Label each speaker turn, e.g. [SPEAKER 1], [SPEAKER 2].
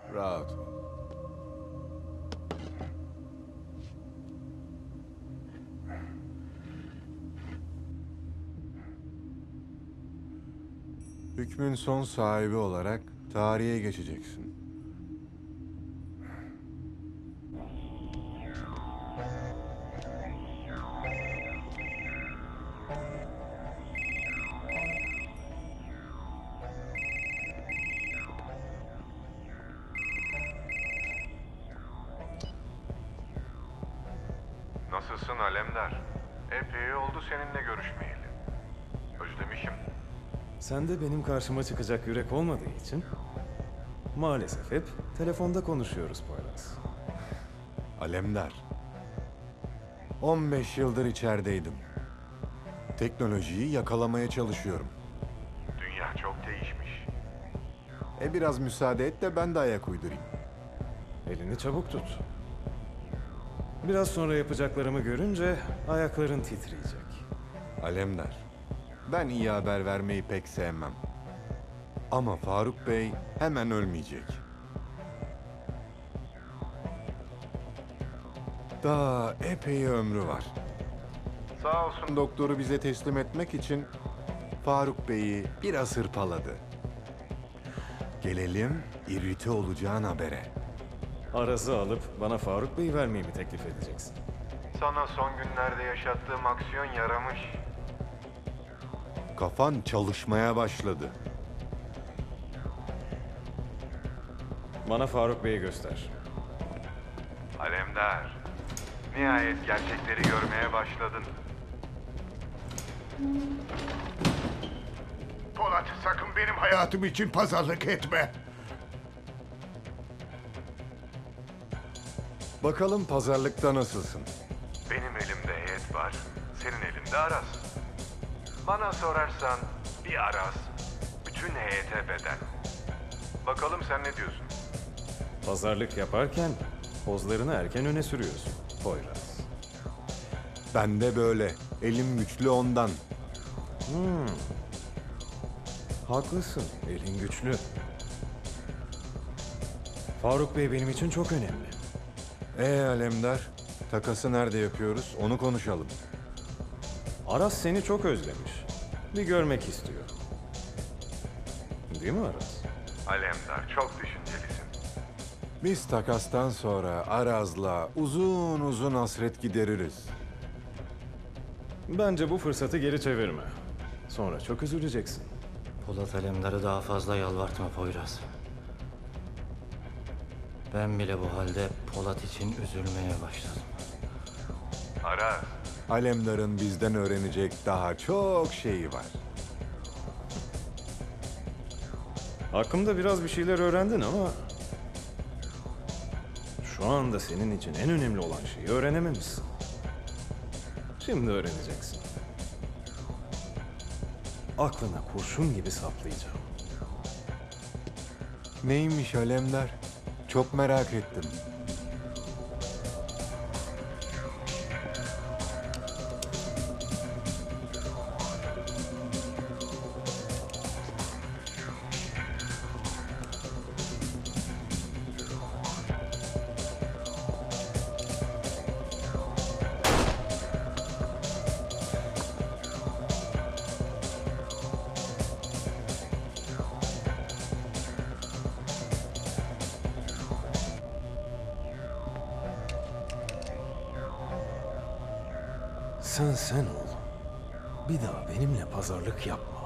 [SPEAKER 1] Rahat ol. Hükmün son sahibi olarak tarihe geçeceksin.
[SPEAKER 2] Nasılsın Alemdar? Epey oldu seninle görüşmeyeli. Özlemişim.
[SPEAKER 3] Sen de benim karşıma çıkacak yürek olmadığı için maalesef hep telefonda konuşuyoruz Poyraz.
[SPEAKER 1] Alemdar. 15 yıldır içerideydim. Teknolojiyi yakalamaya çalışıyorum.
[SPEAKER 2] Dünya çok değişmiş.
[SPEAKER 1] Biraz müsaade et de ben de ayak uydurayım.
[SPEAKER 3] Elini çabuk tut. Biraz sonra yapacaklarımı görünce ayakların titreyecek.
[SPEAKER 1] Alemdar, ben iyi haber vermeyi pek sevmem. Ama Faruk Bey hemen ölmeyecek. Daha epey ömrü var. Sağ olsun doktoru bize teslim etmek için Faruk Bey'i biraz hırpaladı. Gelelim irrite olacağın habere.
[SPEAKER 3] Araz'ı alıp bana Faruk Bey'i vermeyi mi teklif edeceksin?
[SPEAKER 2] Sana son günlerde yaşattığım aksiyon yaramış.
[SPEAKER 1] Kafan çalışmaya başladı.
[SPEAKER 3] Bana Faruk Bey'i göster.
[SPEAKER 2] Alemdar, nihayet gerçekleri görmeye başladın.
[SPEAKER 4] Polat, sakın benim hayatım için pazarlık etme.
[SPEAKER 1] Bakalım pazarlıkta nasılsın?
[SPEAKER 2] Benim elimde heyet var, senin elinde Aras. Bana sorarsan bir Aras, bütün heyete bedel. Bakalım sen ne diyorsun?
[SPEAKER 3] Pazarlık yaparken pozlarını erken öne sürüyorsun Poyraz.
[SPEAKER 1] Ben de böyle. Elim güçlü ondan.
[SPEAKER 3] Haklısın, elin güçlü. Faruk Bey benim için çok önemli.
[SPEAKER 1] Alemdar, takası nerede yapıyoruz? Onu konuşalım.
[SPEAKER 3] Aras seni çok özlemiş. Bir görmek istiyor. Değil mi Aras?
[SPEAKER 2] Alemdar, çok düşüncelisin.
[SPEAKER 1] Biz takastan sonra Araz'la uzun uzun hasret gideririz.
[SPEAKER 3] Bence bu fırsatı geri çevirme. Sonra çok üzüleceksin.
[SPEAKER 5] Polat Alemdar'ı daha fazla yalvartma Poyraz. Ben bile bu halde Polat için üzülmeye başladım.
[SPEAKER 2] Aras,
[SPEAKER 1] Alemdar'ın bizden öğrenecek daha çok şeyi var.
[SPEAKER 3] Hakkımda biraz bir şeyler öğrendin ama... şu anda senin için en önemli olan şeyi öğrenememişsin. Şimdi öğreneceksin. Aklına kurşun gibi saplayacağım.
[SPEAKER 1] Neymiş Alemdar? Çok merak ettim.
[SPEAKER 3] Sen ol. Bir daha benimle pazarlık yapma.